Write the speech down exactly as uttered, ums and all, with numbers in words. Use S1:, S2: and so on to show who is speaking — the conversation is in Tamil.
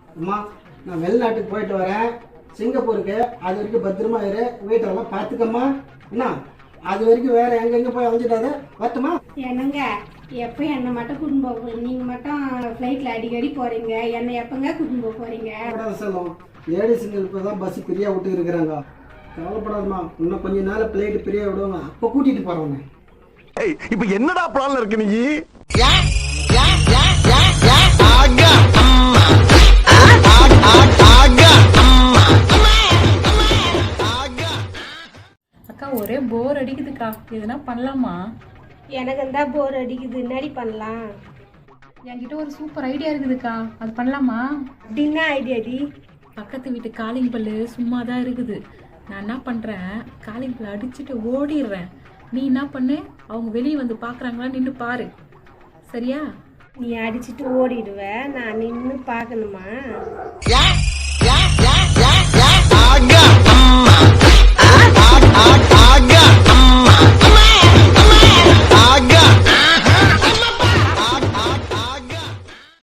S1: அம்மா நான் வெளிநாட்டுக்கு போயிட்டு வரேன், சிங்கப்பூருக்கு. அது வரைக்கும் பத்திரமா இரு, வீட்டெல்லாம் பார்த்துக்கம்மா. என்ன அது வரைக்கும் வேற எங்கெங்க போய் அலைஞ்சிடாத, வரட்டுமா?
S2: என்னங்க எப்போ என்னை மட்டும் கூட்டின்னு போக போறீங்க? நீங்கள் மட்டும் ஃப்ளைட்டில் அடிக்கடி போகிறீங்க, என்னை எப்போங்க கூட்டின்னு போக போகிறீங்க?
S1: செல்லும் லேடிஸுங்க இப்போ தான் பஸ் ஃப்ரீயாக விட்டு இருக்கிறாங்க. கவலைப்படாதம்மா, இன்னும் கொஞ்ச நாள் பிளைட் ஃப்ரீயாக விடுவாங்க, அப்போ கூட்டிகிட்டு போகிறோங்க.
S3: இப்ப என்னடா பிளான்ல இருக்கு நீ?
S4: அக்கா ஒரே போர் அடிக்குதுக்கா, எதுனா பண்ணலாமா?
S2: எனக்கு தான் போர் அடிக்குது, என்னடி பண்ணலாம்?
S4: என்கிட்ட ஒரு சூப்பர் ஐடியா இருக்குதுக்கா, அது பண்ணலாமா?
S2: அப்படின்னா ஐடியாடி?
S4: பக்கத்து வீட்டு காலிங் பல்லு சும்மா தான் இருக்குது. நான் என்ன பண்ணுறேன், காலிங் பல்ல அடிச்சுட்டு ஓடிடுறேன். நீ என்ன பண்ணு, அவங்க வெளியே வந்து பார்க்குறாங்களா நின்று பாரு, சரியா?
S2: நீ அடிச்சுட்டு ஓடிடுவ, நான் நின்று பார்க்கணுமா?